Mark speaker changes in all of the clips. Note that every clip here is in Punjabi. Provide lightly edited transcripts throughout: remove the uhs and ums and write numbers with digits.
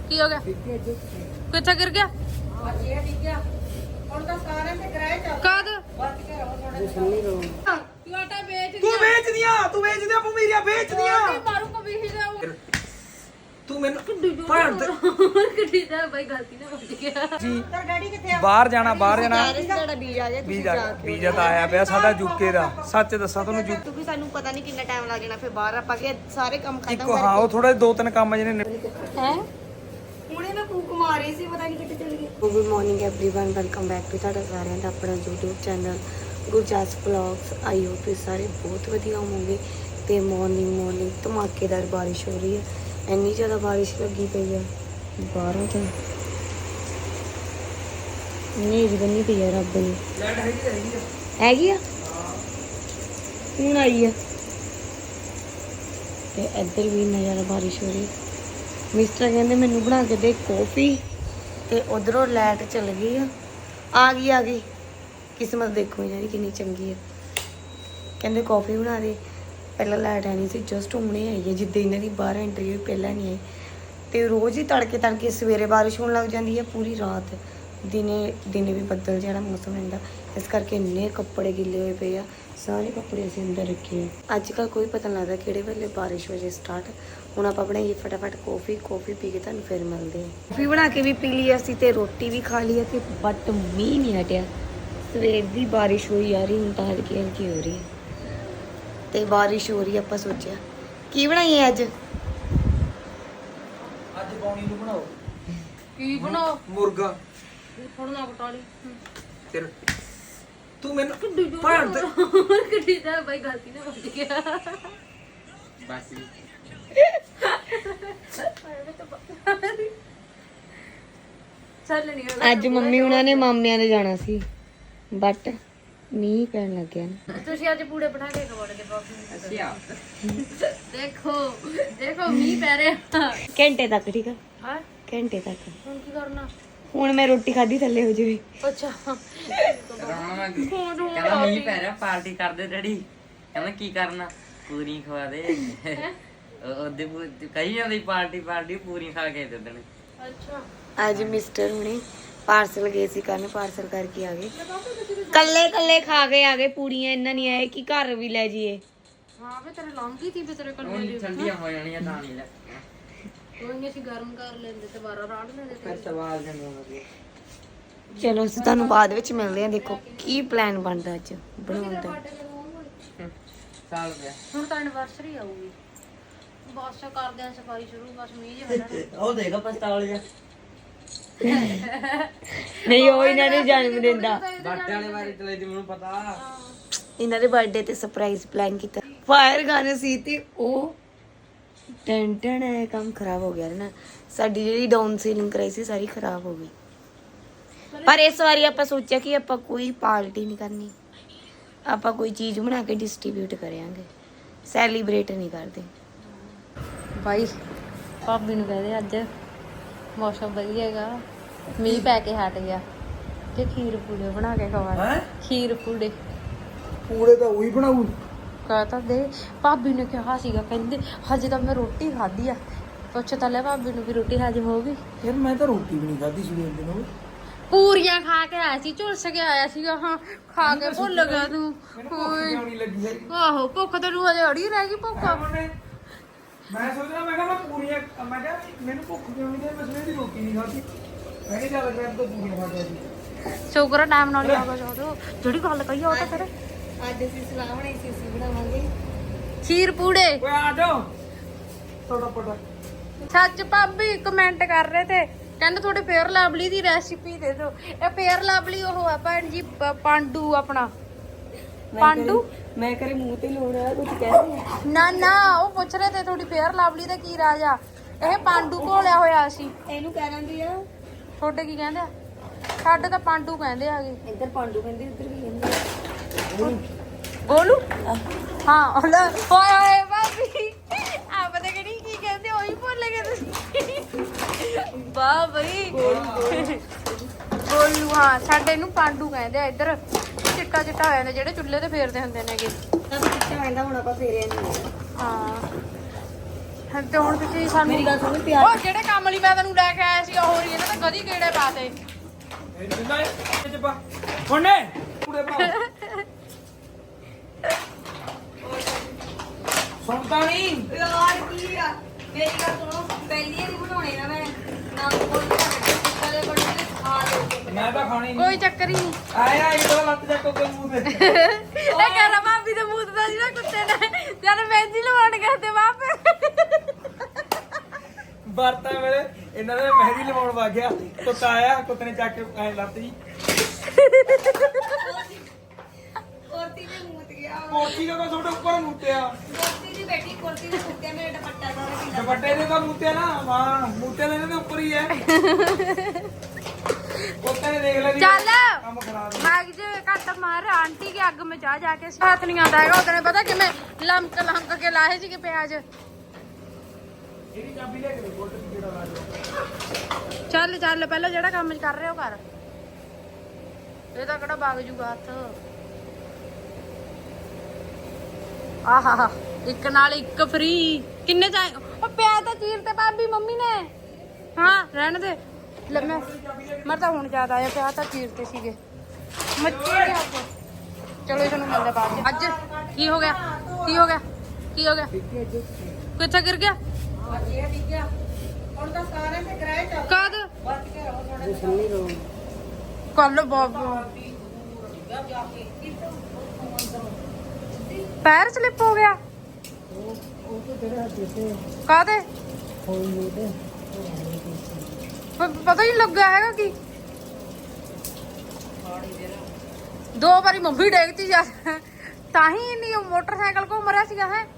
Speaker 1: ਕੀ ਹੋ ਗਿਆ? ਕਿੱਥੇ ਗਿਰ ਗਿਆ? ਕਦ? ਆਟਾ ਵੇਚ
Speaker 2: ਤੂੰ ਵੇਚਦੀਆਂ ਭੂਮੀਰੀਆਂ ਵੇਚਦੀਆਂ
Speaker 1: ਮਾਰੂ ਕੋ ਵੀ ਜਾਊ
Speaker 2: ਤੂੰ ਮੈਨੂੰ ਭੈਣ ਤੇ
Speaker 1: ਕਿੱਡੀ ਦਾ ਬਾਈ ਗਲਤੀ ਨਾਲ ਵੱਜ ਗਿਆ
Speaker 2: ਜੀ
Speaker 3: ਤੇਰਾ ਡੈਡੀ ਕਿੱਥੇ ਆ?
Speaker 2: ਬਾਹਰ ਜਾਣਾ
Speaker 3: ਤੁਹਾਡਾ ਵੀਜ਼ਾ ਆ ਗਿਆ
Speaker 2: ਵੀਜ਼ਾ ਤਾਂ ਆਇਆ ਪਿਆ ਸਾਡਾ ਯੂਕੇ ਦਾ। ਸੱਚ ਦੱਸਾਂ ਤੁਹਾਨੂੰ ਯੂਕੇ
Speaker 3: ਕਿਉਂਕਿ ਸਾਨੂੰ ਪਤਾ ਨਹੀਂ ਕਿੰਨਾ ਟਾਈਮ ਲੱਗ ਜਾਣਾ, ਫਿਰ ਬਾਹਰ ਆਪਾਂ ਕੇ ਸਾਰੇ ਕੰਮ ਖਤਮ
Speaker 2: ਇੱਕੋ ਹਾਂ ਉਹ ਥੋੜੇ 2-3 ਕੰਮ ਜਿਹਨੇ
Speaker 1: ਹੈ।
Speaker 3: ਹੁਣੇ ਮੈਂ ਫੂਕ ਮਾਰੀ ਸੀ, ਪਤਾ ਨਹੀਂ ਕਿੱਥੇ ਚਲ ਗਈ। Good morning everyone, welcome back to ਤੁਹਾਡਾ ਸਾਰਿਆਂ ਦਾ ਆਪਣਾ YouTube channel Gurjas vlogs. I hope ਤੁਸੀਂ ਸਾਰੇ ਬਹੁਤ ਵਧੀਆ ਹੋਵੋਗੇ। ਤੇ ਮਾਰਨਿੰਗ ਧਮਾਕੇਦਾਰ ਬਾਰਿਸ਼ ਹੋ ਰਹੀ ਹੈ, ਇੰਨੀ ਜ਼ਿਆਦਾ ਬਾਰਿਸ਼ ਲੱਗੀ ਪਈ ਹੈ ਬਾਹਰੋਂ ਤਾਂ ਨਹੀਂ ਜਗਨੀ ਪਈ ਹੈ ਰੱਬ ਨੇ। ਹੈਗੀ ਆ ਹੁਣ ਆਈ ਆ ਤੇ ਇੱਧਰ ਵੀ ਇੰਨਾ ਜ਼ਿਆਦਾ ਬਾਰਿਸ਼ ਹੋ ਰਹੀ ਹੈ। ਮਿਸਟਰ ਕਹਿੰਦੇ ਮੈਨੂੰ ਬਣਾ ਕੇ ਦੇ ਕੌਫੀ, ਤੇ ਉਧਰੋਂ ਲਾਈਟ ਚਲ ਗਈ ਆ ਗਈ ਕਿਸਮਤ ਦੇਖੋ ਯਾਰੀ ਕਿੰਨੀ ਚੰਗੀ ਹੈ। ਕਹਿੰਦੇ ਕੌਫੀ ਬਣਾ ਦੇ, ਪਹਿਲਾਂ ਲਾਈਟ ਆਣੀ ਸੀ, ਜਸਟ ਹੁਣੇ ਆਈ ਹੈ। ਜਿੱਦਾਂ ਇਹਨਾਂ ਦੀ ਬਾਹਰ ਐਂਟਰੀ ਹੋਈ ਪਹਿਲਾਂ ਨਹੀਂ ਆਈ। ਤੇ ਰੋਜ਼ ਹੀ ਤੜਕੇ ਸਵੇਰੇ ਬਾਰਿਸ਼ ਹੋਣ ਲੱਗ ਜਾਂਦੀ ਹੈ, ਪੂਰੀ ਰਾਤ ਦਿਨੇ ਵੀ ਬੱਦਲ ਜਿਹੜਾ ਮੌਸਮ ਰਹਿੰਦਾ, ਇਸ ਕਰਕੇ ਇੰਨੇ ਕੱਪੜੇ ਗਿੱਲੇ ਹੋਏ ਪਏ ਆ। ਸਾਰੇ ਕੱਪੜੇ ਅਸੀਂ ਅੰਦਰ ਰੱਖੇ ਆ। ਅੱਜ ਕੱਲ੍ਹ ਕੋਈ ਪਤਾ ਨਹੀਂ ਲੱਗਦਾ ਕਿਹੜੇ ਵੇਲੇ ਬਾਰਿਸ਼ ਹੋ ਜੇ ਸਟਾਰਟ। ਹੁਣ ਆਪਾਂ ਬਣਾਈਏ ਫਟਾਫਟ ਕੌਫੀ ਪੀ ਕੇ ਤੁਹਾਨੂੰ ਫਿਰ ਮਿਲਦੇ ਹਾਂ। ਕੌਫੀ ਬਣਾ ਕੇ ਵੀ ਪੀ ਲਈ ਅਸੀਂ ਤੇ ਰੋਟੀ ਵੀ ਖਾ ਲਈ ਤੇ ਬਟ ਮੀਂਹ ਨਹੀਂ ਹਟਿਆ। ਸਵੇਰ ਦੀ ਬਾਰਿਸ਼ ਹੋਈ ਯਾਰ, ਹੁਣ ਤਾਂ ਹਲਕੀ ਹੋ ਰਹੀ ਹੈ ਤੇ ਬਾਰਿਸ਼ ਹੋ ਰਹੀ। ਆਪਾਂ ਸੋਚਿਆ ਕੀ ਬਣਾਈਏ ਅੱਜ
Speaker 2: ਬੌਣੀ ਨੂੰ ਬਣਾਓ।
Speaker 1: ਕੀ ਬਣਾਓ?
Speaker 2: ਮੁਰਗਾ
Speaker 1: ਫੜਨਾ ਕਟਾਲੀ
Speaker 2: ਫਿਰ ਤੂੰ ਮੈਨੂੰ ਭੈਣ ਤੇ
Speaker 1: ਕਿੱਡੀ ਦਾ ਬਾਈ ਗਲਤੀ ਨਾਲ ਵੱਜ ਗਿਆ
Speaker 2: ਬਸ
Speaker 1: ਚੱਲ ਨਹੀਂ
Speaker 3: ਅੱਜ ਮੰਮੀ ਉਹਨਾਂ ਨੇ ਮਾਮਿਆਂ ਦੇ ਜਾਣਾ ਸੀ, ਬਟ ਮੀਂਹ ਪੈਣ ਲੱਗ ਗਿਆ ਨਾ।
Speaker 1: ਤੁਸੀਂ ਅੱਜ ਪੂੜੇ ਬਣਾ ਕੇ ਖਵਾਓਗੇ ਬਾਬੂ ਨੂੰ। ਦੇਖੋ ਮੀਂਹ ਪੈ ਰਿਹਾ
Speaker 3: ਘੰਟੇ ਤੱਕ, ਠੀਕ ਆ?
Speaker 1: ਹਾਂ
Speaker 3: ਘੰਟੇ ਤੱਕ।
Speaker 1: ਹੁਣ ਕੀ ਕਰਨਾ?
Speaker 3: ਹੁਣ ਮੈਂ ਰੋਟੀ ਖਾਧੀ ਥੱਲੇ ਹੋ ਜਾਵੇ।
Speaker 1: ਅੱਛਾ
Speaker 4: ਕਹਿੰਦਾ ਮੀਂਹ ਪੈ ਰਿਹਾ, ਪਾਰਟੀ ਕਰਦੇ ਡੈਡੀ। ਕਹਿੰਦਾ ਕੀ ਕਰਨਾ? ਪੂਰੀ ਖਵਾ ਦੇ। ਉਹਦੇ ਕਹੀ ਜਾਂਦੀ ਪਾਰਟੀ ਪੂਰੀ ਖਾ ਕੇ ਦੇ ਦੇਣੀ।
Speaker 1: ਅੱਛਾ
Speaker 3: ਅੱਜ ਮਿਸਟਰ ਹੁਣੇ ਪਾਰਸਲ ਗਏ ਸੀ ਕਰਨ, ਪਾਰਸਲ ਕਰਕੇ ਆ ਗਏ। ਕੱਲੇ ਖਾ ਕੇ ਆ ਗਏ ਪੂੜੀਆਂ, ਇੰਨਾ ਨਹੀਂ ਆਏ ਕਿ ਘਰ ਵੀ ਲੈ ਜਾਈਏ।
Speaker 1: ਹਾਂ ਵੇ ਤੇਰੇ ਲੰਗੀ ਸੀ, ਤੇਰੇ ਕੋਲ
Speaker 4: ਹੁਣ ਠੰਡੀਆਂ ਹੋ ਜਾਣੀਆਂ ਤਾਂ ਨਹੀਂ ਲੈ
Speaker 1: ਕੋਈ ਨਹੀਂ, ਅਸੀਂ ਗਰਮ ਕਰ ਲੈਂਦੇ ਤੇ ਬਾਰਾ ਰਾੜ ਲੈਂਦੇ ਤੇ
Speaker 4: ਫਿਰ ਸਵਾਲ ਜੰਮੂਗਾ।
Speaker 3: ਚਲੋ ਅਸੀਂ ਤੁਹਾਨੂੰ ਬਾਅਦ ਵਿੱਚ ਮਿਲਦੇ ਹਾਂ। ਦੇਖੋ ਕੀ ਪਲਾਨ ਬਣਦਾ ਅੱਜ ਬਣਾਉਣ ਦਾ।
Speaker 4: ਸਾਲ ਪਿਆ
Speaker 1: ਹੁਣ ਤਾਂ ਐਨਵਰਸਰੀ ਆਊਗੀ, ਬਸ ਕਰਦੇ ਆਂ ਸਫਾਈ ਸ਼ੁਰੂ, ਬਸ ਮੀਂਹ ਜਿਹਾ
Speaker 4: ਉਹ ਦੇਖੋ ਪਸਤਾਲ ਜਿਹਾ
Speaker 3: ਨਹੀਂ ਉਹ ਇਹਨਾਂ ਨੇ ਜਨਮ ਦਿਨ ਦਾ,
Speaker 4: ਬਾਟੇ ਵਾਲੇ ਬਾਰੇ ਚਲੇ ਦੀ ਮੈਨੂੰ ਪਤਾ।
Speaker 3: ਇਹਨਾਂ ਦੇ ਬਰਥਡੇ ਤੇ ਸਰਪ੍ਰਾਈਜ਼ ਪਲਾਨ ਕੀਤਾ। ਫਾਇਰ ਗਾਣੇ ਸੀ ਤੇ ਉਹ ਟੈਂਟਨ ਹੈ, ਕੰਮ ਖਰਾਬ ਹੋ ਗਿਆ ਨਾ। ਸਾਡੀ ਜਿਹੜੀ ਡਾਊਨ ਸੀਲਿੰਗ ਕਰਾਈ ਸੀ ਸਾਰੀ ਖਰਾਬ ਹੋ ਗਈ। ਪਰ ਇਸ ਵਾਰੀ ਆਪਾਂ ਸੋਚਿਆ ਕਿ ਆਪਾਂ ਕੋਈ ਪਾਰਟੀ ਨਹੀਂ ਕਰਨੀ, ਆਪਾਂ ਕੋਈ ਚੀਜ਼ ਬਣਾ ਕੇ ਡਿਸਟ੍ਰੀਬਿਊਟ ਕਰਾਂਗੇ, ਸੈਲੀਬ੍ਰੇਟ ਨਹੀਂ ਕਰਦੇ।
Speaker 1: ਬਾਈ ਭਾਬੀ ਨੂੰ ਕਹਦੇ ਅੱਜ ਮੌਸਮ ਵਧੀਆ ਹੈਗਾ, ਮੀਂਹ ਪੈ ਕੇ ਹਟ ਗਿਆ ਤੇ ਖੀਰ ਪੂੜੇ ਬਣਾ ਕੇ ਖਵਾ। ਖੀਰ ਪੂੜੇ
Speaker 2: ਤਾਂ ਉਹੀ ਬਣਾਉ।
Speaker 1: ਕਹਤਾ ਦੇ ਭਾਬੀ ਨੇ ਕਿਹਾ ਸੀਗਾ, ਕਹਿੰਦੇ ਹਜੇ ਤਾਂ ਮੈਂ ਰੋਟੀ ਖਾਧੀ ਆ। ਪੁੱਛ ਤਾਂ ਲੈ ਭਾਬੀ ਨੂੰ ਵੀ ਰੋਟੀ ਹਜਮ ਹੋ ਗਈ।
Speaker 2: ਫਿਰ ਮੈਂ ਤਾਂ ਰੋਟੀ ਵੀ ਨਹੀਂ ਖਾਧੀ ਸਵੇਰ ਦੇ ਨੂੰ।
Speaker 1: ਪੂਰੀਆਂ ਖਾ ਕੇ ਆਇਆ ਸੀ, ਝੁਲਸ ਕੇ ਆਇਆ ਸੀਗਾ। ਹਾਂ ਖਾ ਕੇ ਭੁੱਲ ਗਿਆ ਤੂੰ। ਆਹੋ ਭੁੱਖ ਤੈਨੂੰ ਹਜੇ ਅੜੀ ਰਹਿ ਗਈ ਭੁੱਖ।
Speaker 2: ਮੈਂ ਸੋਚਦਾ ਮੈਂ ਕਿਹਾ ਮੈਨੂੰ ਭੁੱਖ ਕਿਉਂ ਨਹੀਂ, ਮੈਂ ਸਵੇਰ ਦੀ ਰੋਟੀ ਨਹੀਂ ਖਾਧੀ। ਮੈਂ ਕਿਹਾ ਚੱਲ ਮੈਂ ਤਾਂ ਪੂਰੀਆਂ ਖਾ ਕੇ ਆਈ।
Speaker 1: ਸ਼ੁਕਰ ਟਾਈਮ ਨਾਲ ਹੀ ਆ ਗਿਆ ਜਦੋਂ ਜਿਹੜੀ ਗੱਲ ਕਹੀ ਆ ਉਹ ਤਾਂ ਫਿਰ
Speaker 3: ਅੱਜ ਅਸੀਂ ਸਲਾਹ ਬਣਾਈ ਸੀ, ਅਸੀਂ ਬਣਾਵਾਂਗੇ
Speaker 1: ਖੀਰ ਪੂੜੇ।
Speaker 2: ਓਏ ਆ ਜਾਓ ਤੁਹਾਡਾ ਪਟਾ।
Speaker 1: ਸੱਚ ਭਾਬੀ ਕਮੈਂਟ ਕਰ ਰਹੇ ਤੇ ਕਹਿੰਦੇ ਥੋੜੇ ਫੇਅਰ ਲਵਲੀ ਦੀ ਰੈਸਿਪੀ ਦੇ ਦਿਓ। ਇਹ ਫੇਅਰ ਲਵਲੀ ਉਹ ਆ ਭੈਣ ਜੀ, ਪਾਂਡੂ ਆਪਣਾ ਪਾਂਡੂ।
Speaker 3: ਮੈਂ ਕਰੇ ਮੂੰਹ ਤੇ ਲੋੜ ਆ ਕੁਝ ਕਹਿੰਦੇ
Speaker 1: ਨਾ ਉਹ ਪੁੱਛ ਰਹੇ ਤੇ ਥੋੜੀ ਫੇਅਰ ਲਵਲੀ ਦਾ ਕੀ ਰਾਜ ਆ। ਇਹ ਪਾਂਡੂ ਘੋਲਿਆ ਹੋਇਆ ਸੀ।
Speaker 3: ਇਹਨੂੰ ਕਹਿ ਦਿੰਦੀ ਆ।
Speaker 1: ਤੁਹਾਡੇ ਕੀ ਕਹਿੰਦੇ ਆ? ਸਾਡੇ ਤਾਂ ਪਾਂਡੂ ਕਹਿੰਦੇ ਆਗੇ।
Speaker 3: ਇੱਧਰ ਪਾਂਡੂ ਕਹਿੰਦੇ, ਇੱਧਰ ਵੀ ਕਹਿੰਦੇ
Speaker 1: ਗੋਲੂ। ਹਾਂ ਓਏ ਓਏ ਭਾਬੀ ਆ ਪਤਾ ਕਿਹੜੀ ਕੀ ਕਹਿੰਦੇ, ਉਹੀ ਭੁੱਲ ਗਏ ਤੁਸੀਂ। ਵਾਹ ਬਈ ਗੋਲੂ। ਹਾਂ ਸਾਡੇ ਨੂੰ ਪਾਂਡੂ ਕਹਿੰਦੇ ਆ ਇੱਧਰ। ਚਿੱਟਾ ਹੋ ਜਾਂਦਾ ਜਿਹੜੇ ਚੁੱਲ੍ਹੇ ਤੇ ਫੇਰਦੇ ਹੁੰਦੇ ਨੇਗੇ।
Speaker 3: ਤਾਂ ਕਿੱਥੇ ਆਂਦਾ ਹੁਣ ਆਪਾਂ ਫੇਰਿਆ ਨਹੀਂ।
Speaker 1: ਹਾਂ ਤੇ ਹੁਣ ਤੁਸੀਂ ਸਾਨੂੰ
Speaker 3: ਮੇਰੀ ਗੱਲ ਸੁਣ ਪਿਆਰ
Speaker 1: ਉਹ ਜਿਹੜੇ ਕੰਮ ਲਈ ਮੈਂ ਤੈਨੂੰ ਲੈ ਕੇ ਆਇਆ ਸੀ ਉਹ ਹੀ ਇਹਨਾਂ ਤੇ ਗਦੀ ਕੀੜੇ ਪਾਤੇ
Speaker 2: ਇਹ ਦਿੰਦਾ ਇਹ ਚ ਪਾ ਹੁਣੇ ਪੂਰੇ ਪਾ ਸੁਣਦਾ ਨਹੀਂ
Speaker 3: ਯਾਰ ਕੀ ਆ ਮੇਰੀ ਗੱਲ ਸੁਣੋ ਪਹਿਲੀ ਵਾਰੀ ਬਣਾਉਣੇ ਨਾ ਮੈਂ ਨਾ ਕੋਈ ਕਦੇ ਬਣਾਉਣੇ ਖਾ ਲਓ
Speaker 2: ਮੈਂ ਤਾਂ ਖਾਣੀ ਨਹੀਂ
Speaker 1: ਕੋਈ ਚੱਕਰ ਹੀ ਨਹੀਂ
Speaker 2: ਆਇਆ ਇਹ ਤਾਂ ਲੱਤ ਚੱਕੋ ਕੋਈ ਮੂੰਹ ਤੇ
Speaker 1: ਇਹ ਕਹਿ ਰਾ ਭਾਬੀ ਦੇ ਮੂੰਹ ਦਾ ਸੀ ਨਾ ਕੁੱਤੇ ਨੇ ਜਦ ਮਹਿੰਦੀ ਲਵਾਉਣ ਗਏ ਤੇ ਵਾਪੇ
Speaker 2: ਵਰਤਾਂ ਵੇਲੇ ਇਹਨਾਂ ਨੇ ਮਹਿੰਦੀ ਲਵਾਉਣ ਵਾ ਗਿਆ ਕੁੱਤਾ ਆਇਆ ਕੁੱਤੇ ਨੇ ਚੱਕ ਕੇ ਐ ਲੱਤ ਜੀ
Speaker 3: ਕੁਰਤੀ ਦੇ ਮੂਤ ਗਿਆ
Speaker 2: ਕੋਠੀ ਦਾ ਤਾਂ ਤੁਹਾਡੇ ਉੱਪਰ ਮੂਤਿਆ
Speaker 3: ਕੁਰਤੀ ਦੀ ਬੈਠੀ ਕੁਰਤੀ ਦੇ ਕੁੱਤੇ ਮੇਰੇ ਦੁਪੱਟਾ ਸਾਰਾ ਕਿੰਨਾ
Speaker 2: ਦੁਪੱਟੇ ਦੇ ਤਾਂ ਮੂਤਿਆ ਨਾ ਹਾਂ ਮੂਤਿਆ ਦੇ ਇਹਦੇ ਉੱਪਰ ਹੀ ਹੈ ਕੁੱਤੇ ਨੇ ਦੇਖ ਲਿਆ ਜੀ
Speaker 1: ਚੱਲ
Speaker 2: ਕੰਮ ਖਰਾਬ ਹੈ।
Speaker 1: ਮੈਂ ਜੇ ਘੱਟ ਮਾਰ ਆਂਟੀ ਕੇ ਅੱਗ में ਜਾ ਕੇ ਹੱਥ ਨਹੀਂ ਆਉਂਦਾ ਹੈਗਾ ਉਹਨੇ ਪਤਾ ਕਿਵੇਂ ਲਮਕ ਕੇ ਲਾਏ ਸੀਗੇ ਪਿਆਜ਼
Speaker 2: ਇਹਦੀ ਚਾਬੀ ਲੈ ਕੇ ਦੇ ਗੋਟ ਦੀ ਜਿਹੜਾ ਲਾ
Speaker 1: ਚੱਲ ਪਹਿਲਾਂ ਜਿਹੜਾ ਕੰਮ ਕਰ ਰਹੇ ਹੋ ਕਰ ਇਹ ਤਾਂ ਕਿਹੜਾ ਵਗ ਜੂਗਾ ਹੱਥ ਆਹਾ ਇੱਕ ਨਾਲ ਇੱਕ ਫ੍ਰੀ ਕਿੰਨੇ ਚਾਹੇ ਉਹ ਪਿਆਜ਼ ਤਾਂ ਚੀਰ ਤੇ ਭਾਬੀ ਮੰਮੀ ਨੇ ਹਾਂ ਰਹਿਣ ਦੇ ਲੈ ਮੈਂ ਤਾਂ ਹੁਣ ਜ਼ਿਆਦਾ ਆਇਆ ਪਿਆਜ਼ ਤਾਂ ਚੀਰਤੇ ਸੀਗੇ ਮੱਛੀ ਦੇ ਹੱਥ ਚਲੋ ਇਹ ਤੁਹਾਨੂੰ ਮਿਲਦਾ ਬਾਅਦ ਚ। ਅੱਜ ਕੀ ਹੋ ਗਿਆ ਕਿੱਥੇ ਗਿਰ ਗਿਆ
Speaker 3: ਹੁਣ ਤਾਂ ਸਾਰੇ ਤੇ ਕਿਰਾਏ ਚੱਲ
Speaker 1: ਕਦ
Speaker 3: ਬਚ ਕੇ ਰਹੋ ਥੋੜਾ
Speaker 1: ਕੱਲ ਬਾਬੂ ਪੈਰ ਸਲਿਪ ਹੋ ਗਿਆ ਕਾਹਦੇ ਪਤਾ ਹੀ ਲੱਗਾ ਹੈਗਾ ਕੀ ਦੋ ਵਾਰੀ ਮੰਮੀ ਡੇਗਤੀ ਜਾ ਤਾਂ ਹੀ ਨਹੀਂ ਉਹ ਮੋਟਰਸਾਈਕਲ ਘੁੰਮ ਰਿਹਾ ਸੀਗਾ ਹੈ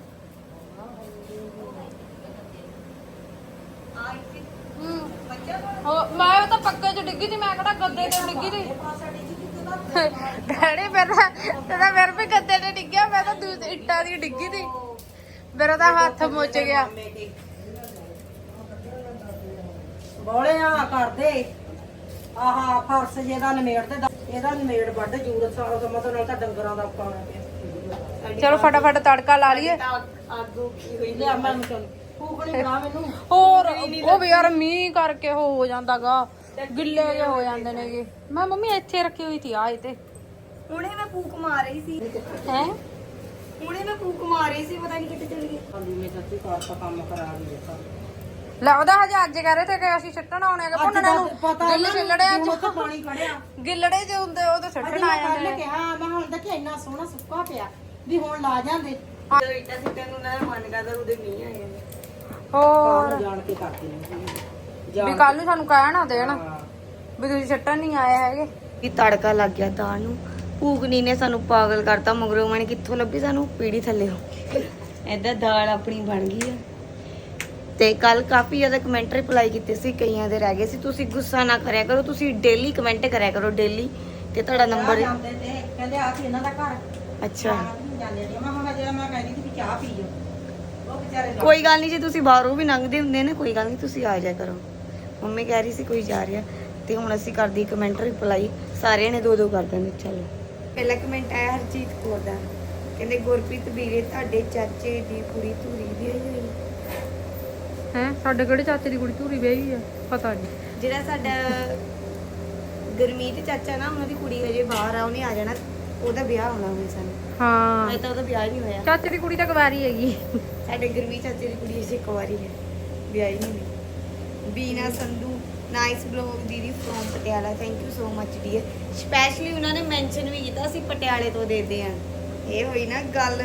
Speaker 1: ਮੈਂ ਤਾਂ ਪੱਕੇ ਚ ਡਿੱਗੀ ਸੀ ਮੈਂ ਕਿਹੜਾ ਗੱਦੇ ਤੇ ਡਿੱਗੀ ਸੀ ਡੈਡੀ ਮੇਰਾ ਫਿਰ ਵੀ ਗੱਦੇ ਤੇ ਡਿੱਗਿਆ ਮੈਂ ਤਾਂ ਦੂਸਰੀ ਇੱਟਾਂ ਦੀ ਡਿੱਗੀ ਸੀ ਮੇਰਾ ਤਾਂ ਹੱਥ ਮੁੱਚ ਗਿਆ
Speaker 3: ਬੋਲੇ ਆ ਕਰਦੇ ਆਹਾ ਫਰਸ ਜਿਹਦਾ ਨਮੇੜ ਤੇ ਇਹਦਾ ਨਮੇੜ ਵੱਢ ਜੂਰਤ ਸਾਰਾ ਸਮਾਂ ਤੋਂ ਨਾਲ ਤਾਂ ਡੰਗਰਾਂ ਦਾ ਪਾਣਾ ਪਿਆ
Speaker 1: ਚਲੋ ਫਟਾਫਟ ਤੜਕਾ ਲਾ ਲਈਏ
Speaker 3: ਆਗੂ ਕੀ ਹੋਈ ਲਿਆ ਮੈਂ ਚਲ ਫੂਕਣੀ ਬਣਾ ਮੈਨੂੰ
Speaker 1: ਹੋਰ ਉਹ ਵੀ ਯਾਰ ਮੀਂਹ ਕਰਕੇ ਹੋ ਜਾਂਦਾਗਾ ਗਿੱਲੇ ਜਿਹੇ ਹੋ ਜਾਂਦੇ ਨੇਗੇ ਮੈਂ ਮੰਮੀ ਇੱਥੇ ਰੱਖੀ ਹੋਈ ਸੀ ਆਏ ਤੇ
Speaker 3: ਹੁਣੇ ਮੈਂ ਫੂਕ ਮਾਰ ਰਹੀ ਸੀ
Speaker 1: ਹੈ
Speaker 3: ਹੁਣੇ ਮੈਂ ਫੂਕ ਮਾਰ ਰਹੀ ਸੀ ਪਤਾ ਨਹੀਂ ਕਿੱਥੇ ਚਲ ਗਈ ਹਾਂਜੀ ਮੈਂ ਸੱਚੀ ਕਾਰ ਦਾ ਕੰਮ ਕਰਾ ਰਹੀ ਹਾਂ
Speaker 1: ਲੱਗਦਾ ਹਜੇ ਅੱਜ ਕਹਿ ਰਹੇ ਤੇ ਕਿ ਅਸੀਂ ਛੱਟਣ ਆਉਣੇ ਹੈਗੇ ਭੁੰਨਣੇ ਨੂੰ ਗਿੱਲ ਛਿੱਲੜਿਆਂ
Speaker 3: ਹੁਣ
Speaker 1: ਚ
Speaker 3: ਤਾਂ ਪਾਣੀ ਖੜਿਆ
Speaker 1: ਗਿੱਲੜੇ ਜੇ ਹੁੰਦੇ ਉਹ ਤਾਂ ਛੱਟਣ ਆ ਜਾਂਦੇ
Speaker 3: ਮੈਂ
Speaker 1: ਨੇ
Speaker 3: ਕਿਹਾ ਮੈਂ ਹੁਣ ਦੇਖਿਆ ਇੰਨਾ ਸੋਹਣਾ ਸੁੱਕਾ ਪਿਆ ਵੀ ਹੁਣ ਲਾ ਜਾਂਦੇ ਇੱਟਾ ਸਿੱਟੇ ਨੂੰ ਨਾ ਮਨ ਕਰਦਾ ਉਹਦੇ ਮੀਂਹ ਆਏ ਨੇ
Speaker 1: ਹੋਰ
Speaker 3: ਜਾਣ ਕੇ ਕਰਦੇ ਨੇ
Speaker 1: ਵੀ ਕੱਲ ਨੂੰ ਸਾਨੂੰ ਕਹਿ ਨਾ ਦੇਣ ਵੀ ਤੁਸੀਂ ਛੱਟਣ ਨਹੀਂ ਆਏ ਹੈਗੇ
Speaker 3: ਵੀ ਤੜਕਾ ਲੱਗ ਗਿਆ ਦਾਲ ਨੂੰ ਭੂਕਨੀ ਨੇ ਸਾਨੂੰ ਪਾਗਲ ਕਰਤਾ ਮਗਰੋਂ ਮਣ ਕਿੱਥੋਂ ਲੱਭੀ ਸਾਨੂੰ ਪੀੜੀ ਥੱਲੇ ਏਦਾਂ ਦਾਲ ਆਪਣੀ ਬਣ ਗਈ ਆ ਤੇ ਕੱਲ ਕਾਫੀ ਜ਼ਿਆਦਾ ਕਮੈਂਟ ਰਿਪਲਾਈ ਕੀਤੇ ਸੀ ਕਈਆਂ ਦੇ ਰਹਿ ਗਏ ਸੀ ਤੁਸੀਂ ਗੁੱਸਾ ਨਾ ਕਰਿਆ ਕਰੋ ਤੁਸੀਂ ਡੇਲੀ ਕਮੈਂਟ ਕਰਿਆ ਕਰੋ ਡੇਲੀ ਤੇ ਤੁਹਾਡਾ ਨੰਬਰ
Speaker 5: ਕਹਿੰਦੇ ਆ ਸੀ ਇਹਨਾਂ ਦਾ ਘਰ
Speaker 3: ਅੱਛਾ
Speaker 5: ਜਾਂਦੇ ਨੇ ਮੈਂ ਹੁਣ ਜਿਹੜਾ ਮੈਂ ਕਹਿੰਦੀ ਸੀ ਕਿ ਚਾਹ ਪੀਓ ਉਹ ਵਿਚਾਰੇ
Speaker 3: ਕੋਈ ਗੱਲ ਨਹੀਂ ਜੇ ਤੁਸੀਂ ਬਾਹਰੋਂ ਵੀ ਲੰਘਦੇ ਹੁੰਦੇ ਨੇ ਕੋਈ ਗੱਲ ਨਹੀਂ ਤੁਸੀਂ ਆ ਜਾਇਆ ਕਰੋ ਮੰਮੀ ਕਹਿ ਰਹੀ ਸੀ ਕੋਈ ਜਾ ਰਿਹਾ ਤੇ ਹੁਣ ਅਸੀਂ ਕਰਦੀ ਕਮੈਂਟ ਰਿਪਲਾਈ ਸਾਰਿਆਂ ਨੇ ਦੋ ਕਰ ਦਿੰਦੇ ਚਲੋ ਪਹਿਲਾ ਕਮੈਂਟ ਆਇਆ ਹਰਜੀਤ ਕੌਰ ਦਾ ਕਹਿੰਦੇ ਗੁਰਪ੍ਰੀਤ ਵੀਰੇ ਤੁਹਾਡੇ ਚਾਚੇ ਦੀ ਕੁੜੀ ਧੂਰੀ ਵਿਆਹੀ ਹੋਈ
Speaker 1: ਹੈ ਸਾਡੇ ਕਿਹੜੇ ਚਾਚੇ ਦੀ ਕੁੜੀ ਧੂਰੀ ਵਿਆਹੀ ਆ ਪਤਾ ਨਹੀਂ
Speaker 3: ਜਿਹੜਾ ਸਾਡਾ ਗੁਰਮੀਤ ਚਾਚਾ ਨਾ ਉਹਨਾਂ ਦੀ ਕੁੜੀ ਹਜੇ ਬਾਹਰ ਆ ਉਹਨੇ ਆ ਜਾਣਾ ਉਹਦਾ ਵਿਆਹ ਹੋਣਾ ਹੁਣ ਸਾਨੂੰ
Speaker 1: ਹਾਂ
Speaker 3: ਅਜੇ ਤਾਂ ਉਹਦਾ ਵਿਆਹ ਹੀ ਨਹੀਂ ਹੋਇਆ
Speaker 1: ਚਾਚੇ ਦੀ ਕੁੜੀ ਤਾਂ ਕੁਵਾਰੀ ਹੈਗੀ
Speaker 3: ਸਾਡੇ ਗੁਰਮੀਤ ਚਾਚੇ ਦੀ ਕੁੜੀ ਅਜੇ ਕੁਆਰੀ ਹੈ ਵਿਆਹੀ ਨਹੀਂ ਹੋਈ ਬੀਨਾ ਸੰਧੂ ਨਾਈਸ ਬਲੌਗ ਦੀਦੀ from Patiala thank you so much dear specially ਉਹਨਾਂ ਨੇ ਮੈਂਸ਼ਨ ਵੀ ਕੀਤਾ ਅਸੀਂ ਪਟਿਆਲੇ ਤੋਂ ਦੇਦੇ ਆ ਇਹ ਹੋਈ ਨਾ ਗੱਲ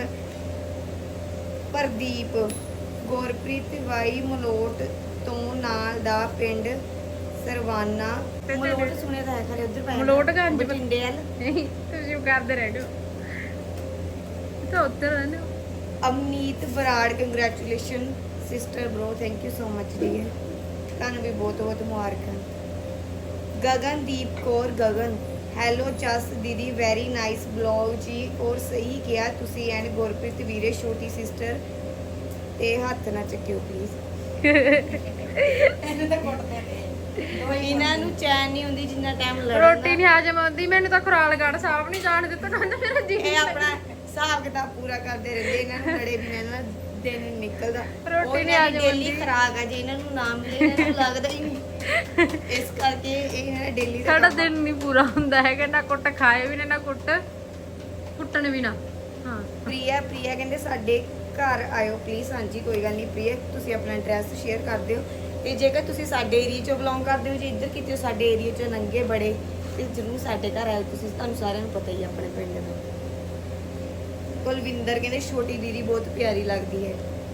Speaker 3: ਪ੍ਰਦੀਪ ਗੁਰਪ੍ਰੀਤ ਵਾਈ ਮਲੋਟ ਤੋਂ ਨਾਲ ਦਾ ਪਿੰਡ ਸਰਵਾਨਾ ਮਲੋਟ ਸੁਣਿਆ ਤਾਂ ਹੈ ਖਰੇ ਉਧਰ ਪੈ
Speaker 1: ਮਲੋਟਗੰਜ।
Speaker 3: ਬਠਿੰਡੇ ਵੱਲ
Speaker 1: ਨਹੀਂ ਤੁਸੀਂ ਕਰਦੇ ਰਹਿ ਜਾਓ ਤਾਂ ਉੱਧਰ ਰਹਿੰਦੇ ਹੋ
Speaker 3: Amneet Brar congratulation sister bro thank you so much dear ਤੁਹਾਨੂੰ ਵੀ ਬਹੁਤ ਬਹੁਤ ਮੁਬਾਰਕਾਂ ਗਗਨਦੀਪ ਕੌਰ ਗਗਨ ਹੈਲੋ ਜਸ ਦੀਦੀ ਵੈਰੀ ਨਾਈਸ ਬਲੌਗ ਜੀ ਔਰ ਸਹੀ ਕਿਹਾ ਤੁਸੀਂ ਐਂਡ ਗੁਰਪ੍ਰੀਤ ਵੀਰੇ ਛੋਟੀ ਸਿਸਟਰ ਤੇ ਹੱਥ ਨਾ ਚੱਕਿਓ ਪਲੀਜ਼
Speaker 5: ਇਹਨੂੰ ਤਾਂ ਕੁੱਟਦੇ ਨੇ
Speaker 3: ਇਹਨਾਂ ਨੂੰ ਚੈਨ ਨਹੀਂ ਹੁੰਦੀ ਜਿੰਨਾ ਟਾਈਮ ਲੜਨ
Speaker 1: ਰੋਟੀ ਨਹੀਂ ਹਾਜ਼ਮ ਆਉਂਦੀ ਮੈਨੂੰ ਤਾਂ ਖੁਰਾਲਗੜ੍ਹ ਸਾਹਿਬ ਨਹੀਂ ਜਾਣ ਦਿੱਤਾ ਕਹਿੰਦਾ ਮੇਰਾ ਜੀ
Speaker 3: ਇਹ ਆਪਣਾ ਹਿਸਾਬ ਕਿਤਾਬ ਪੂਰਾ ਕਰਦੇ ਰਹਿੰਦੇ ਇਹਨਾਂ ਨੂੰ ਲੜੇ ਬਿਨਾਂ ਇਹਨਾਂ ਦਿਨ ਨਿਕਲਦਾ
Speaker 1: ਰੋਟੀ ਨਹੀਂ ਅੱਜ
Speaker 3: ਡੇਲੀ ਖਰਾਕ ਆ, ਜੇ ਇਹਨਾਂ ਨੂੰ ਨਾ ਮਿਲੇ ਇਹਨਾਂ ਨੂੰ ਲੱਗਦਾ ਹੀ ਨਹੀਂ। ਇਸ ਕਰਕੇ ਇਹ ਡੇਲੀ ਦਾ
Speaker 1: ਸਾਡਾ ਦਿਨ ਨਹੀਂ ਪੂਰਾ ਹੁੰਦਾ ਹੈਗਾ, ਨਾ ਕੁੱਟ ਖਾਏ ਵੀ ਨਾ ਕੁੱਟ ਕੁੱਟਣ ਵੀ ਨਾ। ਹਾਂ
Speaker 3: ਪ੍ਰਿਆ ਕਹਿੰਦੇ ਸਾਡੇ ਘਰ ਆਇਓ ਪਲੀਜ਼। ਹਾਂਜੀ ਕੋਈ ਗੱਲ ਨਹੀਂ ਪ੍ਰਿਆ, ਤੁਸੀਂ ਆਪਣਾ ਐਡਰੈਸ ਸ਼ੇਅਰ ਕਰ ਦਿਓ। ਤੇ ਜੇਕਰ ਤੁਸੀਂ ਸਾਡੇ ਏਰੀਆ ਚੋਂ ਬਿਲੋਂਗ ਕਰਦੇ ਹੋ, ਜੇ ਇੱਧਰ ਕਿਤੇ ਸਾਡੇ ਏਰੀਆ ਚੋਂ ਨੰਗੇ ਬੜੇ, ਤੇ ਜ਼ਰੂਰ ਸਾਡੇ ਘਰ ਆਇਓ ਤੁਸੀਂ। ਤੁਹਾਨੂੰ ਸਾਰਿਆਂ ਨੂੰ ਪਤਾ ਹੀ ਆ ਆਪਣੇ ਪਿੰਡ ਦਾ। ਕੁਲਵਿੰਦਰ ਕਹਿੰਦੇ ਛੋਟੀ ਦੀਦੀ ਬਹੁਤ ਪਿਆਰੀ ਲੱਗਦੀ ਹੈ।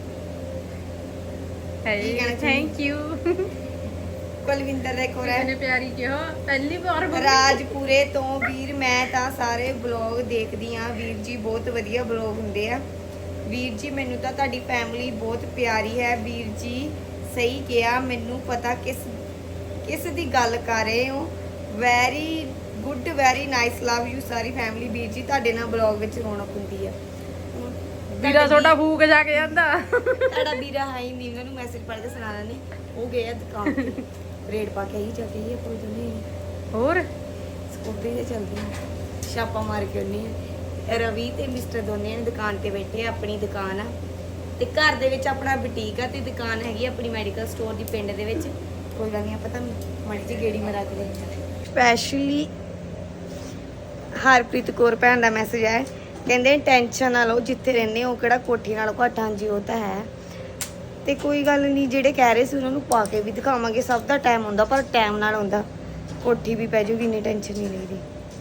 Speaker 3: ਕੀ ਕਹਿਣਾ
Speaker 1: ਥੈਂਕ ਯੂ।
Speaker 3: ਕੁਲਵਿੰਦਰ ਦਾ ਇੱਕ ਹੋਰ
Speaker 1: ਕਿੰਨੇ
Speaker 3: ਹੈ,
Speaker 1: ਪਿਆਰੀ ਕਿਹਾ ਪਹਿਲੀ ਵਾਰ
Speaker 3: ਰਾਜਪੁਰੇ ਤੋਂ ਵੀਰ ਮੈਂ ਤਾਂ ਸਾਰੇ ਬਲੌਗ ਦੇਖਦੀ ਆ ਵੀਰ ਜੀ, ਬਹੁਤ ਵਧੀਆ ਬਲੌਗ ਹੁੰਦੇ ਆ ਵੀਰ ਜੀ। ਮੈਨੂੰ ਤਾਂ ਤੁਹਾਡੀ ਫੈਮਿਲੀ ਬਹੁਤ ਪਿਆਰੀ ਹੈ ਵੀਰ ਜੀ, ਸਹੀ ਕਿਹਾ। ਮੈਨੂੰ ਪਤਾ ਕਿਸ ਦੀ ਗੱਲ ਕਰ ਰਹੇ ਹੋ। Very good, very nice, love you ਸਾਰੀ ਫੈਮਿਲੀ ਵੀਰ ਜੀ। ਤੁਹਾਡੇ ਨਾਲ ਬਲੌਗ ਵਿੱਚ ਰੌਣਕ ਹੁੰਦੀ ਆ।
Speaker 1: ਵੀਰਾ ਤੁਹਾਡਾ ਫੂਕ ਜਾ ਕੇ ਜਾਂਦਾ।
Speaker 3: ਤੁਹਾਡਾ ਵੀਰਾ ਹੈ ਹੀ ਨਹੀਂ, ਉਹਨਾਂ ਨੂੰ ਮੈਸੇਜ ਪੜ੍ਹ ਕੇ ਸੁਣਾਣਾ ਨਹੀਂ। ਉਹ ਗਏ ਆ ਦੁਕਾਨ ਤੇ ਰੇਡ ਪਾ ਕੇ ਆਈ ਜਾ ਕੇ ਹੀ ਆਪਾਂ ਦੋਨੇ
Speaker 1: ਹੋਰ
Speaker 3: ਸਕੂਟਰੀ ਤੇ ਚੱਲਦੀ ਆ, ਛਾਪਾ ਮਾਰ ਕੇ ਆਉਂਦੀ ਆ। ਰਵੀ ਤੇ ਮਿਸਟਰ ਦੋਨੇ ਨੇ ਦੁਕਾਨ ਤੇ ਬੈਠੇ ਆ, ਆਪਣੀ ਦੁਕਾਨ ਆ ਤੇ ਘਰ ਦੇ ਵਿੱਚ ਆਪਣਾ ਬੁਟੀਕ ਆ ਤੇ ਦੁਕਾਨ ਹੈਗੀ ਆਪਣੀ ਮੈਡੀਕਲ ਸਟੋਰ ਦੀ ਪਿੰਡ ਦੇ ਵਿੱਚ। ਕੋਈ ਗੱਲ ਨਹੀਂ, ਆਪਾਂ ਤਾਂ ਮਾੜੀ ਜਿਹੀ ਗੇੜੀ ਮਰਾ ਕੇ ਲੈਂਦੇ। ਸਪੈਸ਼ਲੀ ਹਰਪ੍ਰੀਤ ਕੌਰ ਭੈਣ ਦਾ ਮੈਸੇਜ ਆਇਆ, ਕਹਿੰਦੇ ਟੈਨਸ਼ਨ ਨਾ ਲਓ, ਜਿੱਥੇ ਰਹਿੰਦੇ ਹੋ ਕਿਹੜਾ ਕੋਠੀ ਨਾਲ ਘੱਟ। ਹਾਂਜੀ ਉਹ ਤਾਂ ਹੈ, ਤੇ ਕੋਈ ਗੱਲ ਨਹੀਂ, ਜਿਹੜੇ ਕਹਿ ਰਹੇ ਸੀ ਉਹਨਾਂ ਨੂੰ ਪਾ ਕੇ ਵੀ ਦਿਖਾਵਾਂਗੇ। ਸਭ ਦਾ ਟਾਈਮ ਹੁੰਦਾ, ਪਰ ਟਾਈਮ ਨਾਲ ਹੁੰਦਾ। ਕੋਠੀ ਵੀ ਪੈ ਜੂਗੀ, ਇੰਨੀ ਟੈਨਸ਼ਨ ਨਹੀਂ ਲਈਦੀ।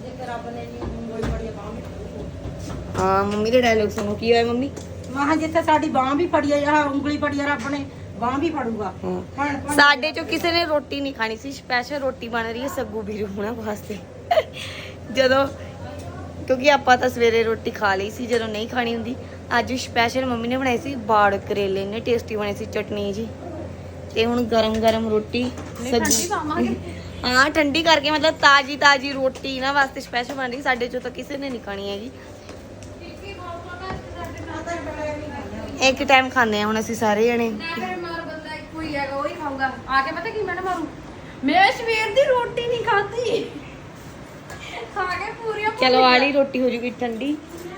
Speaker 3: ਹਾਂ ਮੰਮੀ ਦੇ ਡਾਇਲੋਗ ਸੁਣੋ, ਕੀ ਹੋਇਆ ਮੰਮੀ?
Speaker 5: ਮਾਂ ਜਿੱਥੇ ਸਾਡੀ ਬਾਹ ਵੀ ਫੜੀ ਆ, ਉਂਗਲੀ ਫੜੀ ਆ ਰੱਬ ਨੇ, ਬਾਹ ਵੀ ਫੜੂਗਾ।
Speaker 3: ਸਾਡੇ ਚੋਂ ਕਿਸੇ ਨੇ ਰੋਟੀ ਨਹੀਂ ਖਾਣੀ ਸੀ, ਸਪੈਸ਼ਲ ਰੋਟੀ ਬਣ ਰਹੀ ਹੈ ਸੱਗੂ ਵੀਰੂ ਹੁਣਾਂ ਵਾਸਤੇ। ਜਦੋਂ ਕਿਉਂਕਿ ਆਪਾਂ ਤਾਂ ਸਵੇਰੇ ਰੋਟੀ ਖਾ ਲਈ ਸੀ, ਜਦੋਂ ਨਹੀਂ ਖਾਣੀ ਹੁੰਦੀ। ਅੱਜ ਸਪੈਸ਼ਲ ਮੰਮੀ ਨੇ ਬਣਾਈ ਸੀ ਬਾੜ ਕਰੇਲੇ, ਨੇ ਟੇਸਟੀ ਬਣੇ ਸੀ, ਚਟਨੀ ਜੀ। ਤੇ ਹੁਣ ਗਰਮ ਰੋਟੀ ਸੱਗੂ, ਹਾਂ ਠੰਡੀ ਕਰਕੇ, ਮਤਲਬ ਤਾਜੀ ਰੋਟੀ ਇਹਨਾਂ ਵਾਸਤੇ ਸਪੈਸ਼ਲ ਬਣ ਰਹੀ। ਸਾਡੇ ਚੋਂ ਤਾਂ ਕਿਸੇ ਨੇ ਨਹੀਂ ਖਾਣੀ ਹੈਗੀ। ਇੱਕ ਟਾਈਮ ਖਾਂਦੇ ਆ ਹੁਣ ਅਸੀਂ ਸਾਰੇ ਜਣੇ।
Speaker 1: ਮਾਰ ਬੰਦਾ ਇੱਕੋ ਹੀ ਹੈਗਾ, ਉਹੀ ਖਾਊਗਾ ਆ ਕੇ। ਪਤਾ ਕੀ ਮੈਂ ਮਾਰੂ, ਮੈਂ ਸਵੇਰ ਦੀ ਰੋਟੀ ਨਹੀਂ ਖਾਧੀ, ਖਾ ਕੇ ਪੂਰੀਆਂ
Speaker 3: ਚਲੋ ਆਲੀ ਰੋਟੀ ਹੋ ਜੂਗੀ ਠੰਡੀ।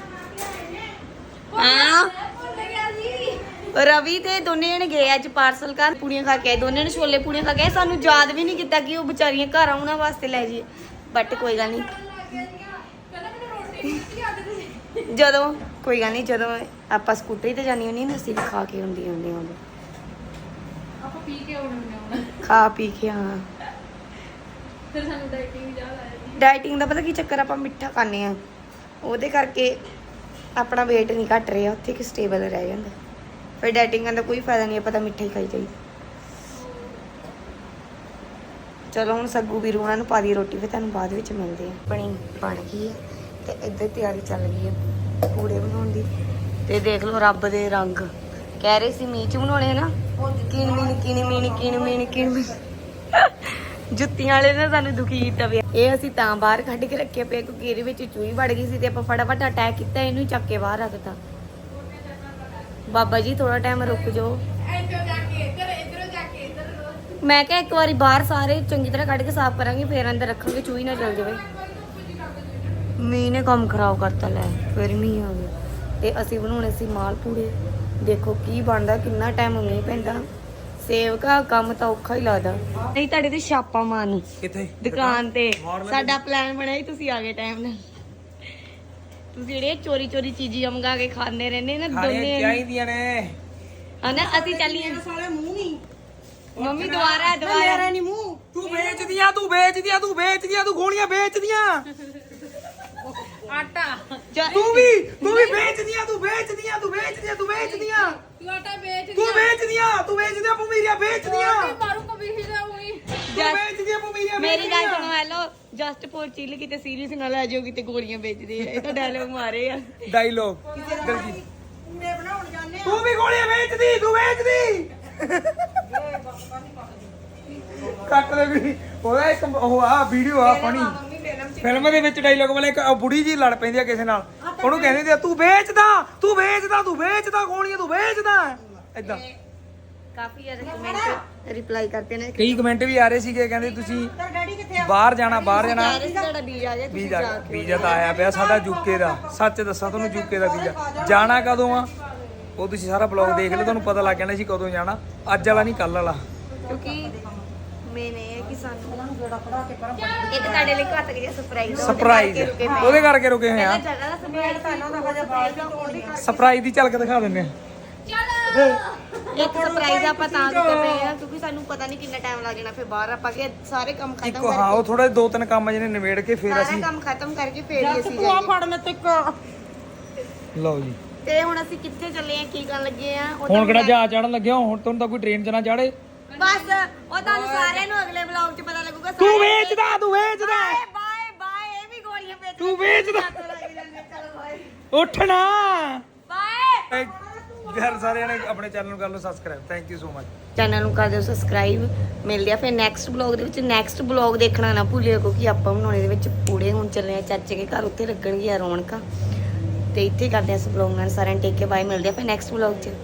Speaker 3: ਹਾਂ
Speaker 1: ਭੁੱਲ ਗਿਆ ਜੀ।
Speaker 3: ਰਵੀ ਤੇ ਦੋਨੇ ਜਣੇ ਗਏ ਅੱਜ ਪਾਰਸਲ ਘਰ, ਪੂੜੀਆਂ ਖਾ ਕੇ ਆਏ। ਦੋਨੇ ਨੇ ਛੋਲੇ ਪੂੜੀਆਂ ਖਾ ਕੇ ਆਏ। ਸਾਨੂੰ ਯਾਦ ਵੀ ਨਹੀਂ ਕੀਤਾ ਕਿ ਉਹ ਵਿਚਾਰੀਆਂ ਘਰ ਆਉਣਾ ਵਾਸਤੇ ਲੈ ਜਾਈਏ, ਬਟ ਕੋਈ ਗੱਲ ਨਹੀਂ। ਜਦੋਂ ਕੋਈ ਗੱਲ ਨਹੀਂ, ਜਦੋਂ ਆਪਾਂ ਸਕੂਟਰੀ ਤੇ ਜਾਣੀ ਹੁੰਦੀ ਨਾ, ਅਸੀਂ ਵੀ ਖਾ ਕੇ ਹੁੰਦੀ ਉਦੋਂ
Speaker 1: ਆਪਾਂ ਪੀ ਕੇ ਆਉਣੇ ਹੁਣ,
Speaker 3: ਖਾ ਪੀ ਕੇ। ਹਾਂ
Speaker 1: ਫਿਰ ਸਾਨੂੰ ਡਾਈਟਿੰਗ ਯਾਦ ਆ ਜਾਂਦੀ।
Speaker 3: ਡਾਈਟਿੰਗ ਦਾ ਪਤਾ ਕੀ ਚੱਕਰ, ਆਪਾਂ ਮਿੱਠਾ ਖਾਂਦੇ ਆ, ਉਹਦੇ ਕਰਕੇ ਆਪਣਾ weight ਨਹੀਂ ਘਟ ਰਿਹਾ, ਉੱਥੇ ਕਿ ਸਟੇਬਲ ਰਹਿ ਜਾਂਦਾ। ਫਿਰ ਡਾਈਟਿੰਗ ਦਾ ਕੋਈ ਫਾਇਦਾ ਨਹੀਂ, ਆਪਾਂ ਤਾਂ ਮਿੱਠਾ ਹੀ ਖਾਈ ਜਾਈਦਾ। ਚਲੋ ਹੁਣ ਸੱਗੂ ਵੀਰੂ ਉਹਨਾਂ ਨੂੰ ਪਾ ਦੀ ਰੋਟੀ, ਫਿਰ ਤੁਹਾਨੂੰ ਬਾਅਦ ਵਿੱਚ ਮਿਲਦੇ ਆ। ਬਣ ਗਈ ਹੈ ਤੇ ਇੱਧਰ ਤਿਆਰੀ ਚੱਲ ਗਈ ਹੈ ਪੂੜੇ ਬਣਾਉਣ ਦੀ। ਤੇ ਦੇਖ ਲਓ ਰੱਬ ਦੇ ਰੰਗ, ਕਹਿ ਰਹੇ ਸੀ ਮੀਂਹ ਚ ਬਣਾਉਣੇ ਨਾ, ਕਿਣ ਜੁੱਤੀਆਂ ਵਾਲੇ ਨੇ ਸਾਨੂੰ ਦੁਖੀ ਕੀਤਾ ਪਿਆ। ਇਹ ਅਸੀਂ ਤਾਂ ਬਾਹਰ ਕੱਢ ਕੇ ਰੱਖਿਆ ਪਿਆ ਕਿਉਂਕਿ ਇਹਦੇ ਵਿੱਚ ਚੂਹੀ ਵੜ ਗਈ ਸੀ ਤੇ ਆਪਾਂ ਫਟਾਫਟ ਅਟੈਕ ਕੀਤਾ, ਇਹਨੂੰ ਹੀ ਚੱਕ ਕੇ ਬਾਹਰ ਰੱਖਤਾ। ਬਾਬਾ ਜੀ ਥੋੜਾ ਟਾਈਮ ਰੁਕ ਜਾਓ। ਮੈਂ ਕਿਹਾ ਇੱਕ ਵਾਰੀ ਬਾਹਰ ਸਾਰੇ ਚੰਗੀ ਤਰ੍ਹਾਂ ਕੱਢ ਕੇ ਸਾਫ਼ ਕਰਾਂਗੇ, ਫੇਰ ਅੰਦਰ ਰੱਖਾਂਗੇ, ਚੂਹੀ ਨਾ ਚਲ ਜਾਵੇ। ਮੀਂਹ ਨੇ ਕੰਮ ਖਰਾਬ ਕਰਤਾ, ਲੈ ਫਿਰ ਮੀਂਹ ਆ ਗਿਆ। ਤੇ ਅਸੀਂ ਬਣਾਉਣੇ ਸੀ ਮਾਲ ਪੂੜੇ, ਦੇਖੋ ਕੀ ਬਣਦਾ, ਕਿੰਨਾ ਟਾਈਮ ਮੀਂਹ ਪੈਂਦਾ। ਸੇਵਕਾ ਕੰਮ ਤਾਂ ਔਖਾ ਹੀ ਲੱਗਦਾ। ਨਹੀਂ ਤੁਹਾਡੇ ਤੇ ਛਾਪਾ ਮਾਰਨ
Speaker 2: ਕਿੱਥੇ
Speaker 3: ਦੁਕਾਨ ਤੇ ਸਾਡਾ ਪਲਾਨ ਬਣਿਆ ਸੀ, ਤੁਸੀਂ ਆ ਗਏ ਟਾਈਮ ਨਾਲ। ਤੁਸੀਂ ਜਿਹੜੇ ਚੋਰੀ ਚੀਜ਼ਾਂ ਮੰਗਾ ਕੇ ਖਾਂਦੇ ਰਹਿੰਦੇ ਨਾ ਦੋਨੇ
Speaker 2: ਚਾਹੀਦੀਆਂ ਨੇ
Speaker 3: ਹਨਾ, ਅਸੀਂ ਚੱਲੀਏ।
Speaker 5: ਸਾਲੇ ਮੂੰਹ ਨਹੀਂ,
Speaker 3: ਮੰਮੀ ਦੁਬਾਰਾ
Speaker 5: ਮੇਰਾ ਨਹੀਂ ਮੂੰਹ।
Speaker 2: ਤੂੰ ਵੇਚਦੀਆਂ ਤੂੰ ਗੋਲੀਆਂ ਵੇਚਦੀਆਂ,
Speaker 1: ਆਟਾ
Speaker 2: ਤੂੰ ਵੀ ਵੇਚਦੀਆਂ, ਤੂੰ ਵੇਚਦੀਆਂ
Speaker 1: ਤੂੰ ਆਟਾ
Speaker 2: ਵੇਚਦੀਆਂ ਭੂਮੀਰੀਆਂ ਵੇਚਦੀਆਂ,
Speaker 1: ਮਾਰੂ ਕਬੀਹੀ ਦਾ ਉਹੀ।
Speaker 2: ਤੂੰ ਵੇਚਦੀਆਂ ਭੂਮੀਰੀਆਂ।
Speaker 3: ਮੇਰੀ ਗੱਲ ਸੁਣੋ, ਹੈਲੋ ਜਸਟ ਫੋਰ ਚਿੱਲ, ਕਿਤੇ ਸੀਰੀਅਸ ਨਾ ਲੈ ਜਾਓ, ਕਿਤੇ ਗੋਲੀਆਂ ਵੇਚਦੇ ਆ। ਇਹ ਤਾਂ ਡਾਇਲੋਗ ਮਾਰੇ ਆ।
Speaker 2: ਡਾਇਲੋਗ
Speaker 5: ਪੂੜੇ ਬਣਾਉਣ ਜਾਂਦੇ ਆ।
Speaker 2: ਤੂੰ ਵੀ ਗੋਲੀਆਂ ਵੇਚਦੀ, ਤੂੰ ਵੇਚਦੀ। ਕੱਟ ਦੇ ਵੀ ਉਹਦਾ ਇੱਕ ਉਹ ਆ ਵੀਡੀਓ ਆ ਫਨੀ ਫਿਲਮ ਦੇ ਵਿੱਚ ਡਾਇਲੋਗ ਵਾਲੇ, ਇੱਕ ਬੁੜੀ ਜੀ ਲੜ ਪੈਂਦੀ ਆ ਕਿਸੇ ਨਾਲ, ਉਹਨੂੰ ਕਹਿੰਦੇ ਤੂੰ ਵੇਚਦਾ ਗੋਲੀਆਂ, ਤੂੰ ਵੇਚਦਾ ਏਦਾਂ।
Speaker 3: ਕਾਫੀ ਜ਼ਿਆਦਾ ਕਮੈਂਟ ਰਿਪਲਾਈ ਕਰਤੇ ਨੇ।
Speaker 2: ਕਈ ਕਮੈਂਟ ਵੀ ਆ ਰਹੇ ਸੀਗੇ, ਕਹਿੰਦੇ ਤੁਸੀਂ ਬਾਹਰ ਜਾਣਾ
Speaker 3: ਤੁਹਾਡਾ ਵੀਜ਼ਾ ਆ ਗਿਆ, ਤੁਸੀਂ ਜਾ ਕੇ
Speaker 2: ਵੀਜ਼ਾ ਤਾਂ ਆਇਆ ਪਿਆ ਸਾਡਾ ਯੂਕੇ ਦਾ। ਸੱਚ ਦੱਸਾਂ ਤੁਹਾਨੂੰ, ਯੂਕੇ ਦਾ ਵੀਜ਼ਾ ਜਾਣਾ ਕਦੋਂ ਆ? ਉਹ ਤੁਸੀਂ ਸਾਰਾ ਬਲੌਗ ਦੇਖ ਲਿਓ, ਤੁਹਾਨੂੰ ਪਤਾ ਲੱਗ ਜਾਣਾ ਸੀ ਕਦੋਂ ਜਾਣਾ। ਅੱਜ ਵਾਲਾ ਨਹੀਂ, ਕੱਲ ਵਾਲਾ।
Speaker 3: ਕਿਉਂਕਿ ਮੇਨ ਇਹ ਹੈ ਕਿ ਸਾਨੂੰ ਇੱਕ ਤੁਹਾਡੇ ਲਈ ਘੱਟ ਗਿਆ ਸਰਪ੍ਰਾਈਜ਼
Speaker 2: ਉਹਦੇ ਕਰਕੇ ਰੁਕੇ ਹੋਏ ਆ।
Speaker 3: ਜਗ੍ਹਾ ਦਾ ਸਰਪ੍ਰਾਈਜ਼
Speaker 2: ਸਰਪ੍ਰਾਈਜ਼ ਦੀ ਝਲਕ ਦਿਖਾ ਦਿੰਦੇ ਆ।
Speaker 3: ਇੱਕ ਸਰਪ੍ਰਾਈਜ਼ ਆਪਾਂ ਤਾਂ ਕਰ ਰਹੇ ਆ ਕਿਉਂਕਿ ਸਾਨੂੰ ਪਤਾ ਨਹੀਂ ਕਿੰਨਾ ਟਾਈਮ ਲੱਗ ਜਾਣਾ, ਫਿਰ ਬਾਹਰ ਆਪਾਂ ਕੇ ਸਾਰੇ ਕੰਮ ਖਤਮ
Speaker 2: ਇੱਕੋ ਹਾਂ, ਉਹ ਥੋੜਾ 2-3 ਕੰਮ ਜਿਹਨੇ ਨਿਬੇੜ ਕੇ ਫਿਰ
Speaker 3: ਸਾਰਾ
Speaker 2: ਅਸੀਂ
Speaker 3: ਕੰਮ ਖਤਮ ਕਰਕੇ ਫੇਰ ਹੀ ਅਸੀਂ
Speaker 5: ਤੂੰ
Speaker 3: ਜਾਈਏ।
Speaker 5: ਫੜ ਮੈਂ ਤੇ
Speaker 2: ਲਓ ਜੀ।
Speaker 3: ਤੇ ਹੁਣ ਅਸੀਂ ਕਿੱਥੇ ਚੱਲੇ ਆ, ਕੀ ਕਰਨ ਲੱਗੇ ਆ, ਉਹ
Speaker 2: ਹੁਣ ਕਿਹੜਾ ਜਹਾਜ਼ ਚੜਨ ਲੱਗਿਆ, ਹੁਣ ਤੁਹਾਨੂੰ ਤਾਂ ਕੋਈ ਟ੍ਰੇਨ 'ਚ ਨਾ ਚੜੇ।
Speaker 3: ਬਸ ਉਹ ਤੁਹਾਨੂੰ ਸਾਰਿਆਂ ਨੂੰ ਅਗਲੇ ਵਲੌਗ 'ਚ ਪਤਾ ਲੱਗੂਗਾ।
Speaker 2: ਤੂੰ ਵੇਚਦਾ, ਤੂੰ ਵੇਚਦਾ,
Speaker 3: ਬਾਏ ਬਾਏ, ਇਹ ਵੀ ਗੋਲੀਆਂ ਵੇਚ
Speaker 2: ਤੂੰ ਵੇਚਦਾ।
Speaker 3: ਚਲੋ ਬਾਏ
Speaker 2: ਉੱਠਣਾ।
Speaker 3: ਬਾਏ।
Speaker 2: ਯਾਰ ਸਾਰਿਆਂ ਨੇ ਆਪਣੇ ਚੈਨਲ ਨੂੰ ਕਰ ਲਓ subscribe. Thank you so much.
Speaker 3: Channel ਨੂੰ ਕਰ ਦਿਓ ਸਬਸਕ੍ਰਾਈਬ। ਮਿਲਦੇ ਆ ਫਿਰ ਨੈਕਸਟ ਬਲੌਗ ਦੇ ਵਿੱਚ। ਨੈਕਸਟ ਬਲੌਗ ਦੇਖਣਾ ਨਾ ਭੁੱਲਿਓ ਕਿਉਂਕਿ ਆਪਾਂ ਬਣਾਉਣੇ ਦੇ ਵਿੱਚ ਪੂੜੇ ਹੁਣ ਚੱਲੇ ਆ ਚਾਚੇ ਦੇ ਘਰ, ਉੱਥੇ ਲੱਗਣਗੀਆਂ ਰੌਣਕਾਂ। ਤੇ ਇੱਥੇ ਕਰਦੇ ਆ ਇਸ ਬਲੌਗ ਨਾਲ। ਸਾਰਿਆਂ ਨੂੰ ਟੇਕ ਕੇ ਬਾਏ। ਮਿਲਦੇ ਆ ਫਿਰ ਨੈਕਸਟ ਬਲੌਗ 'ਚ।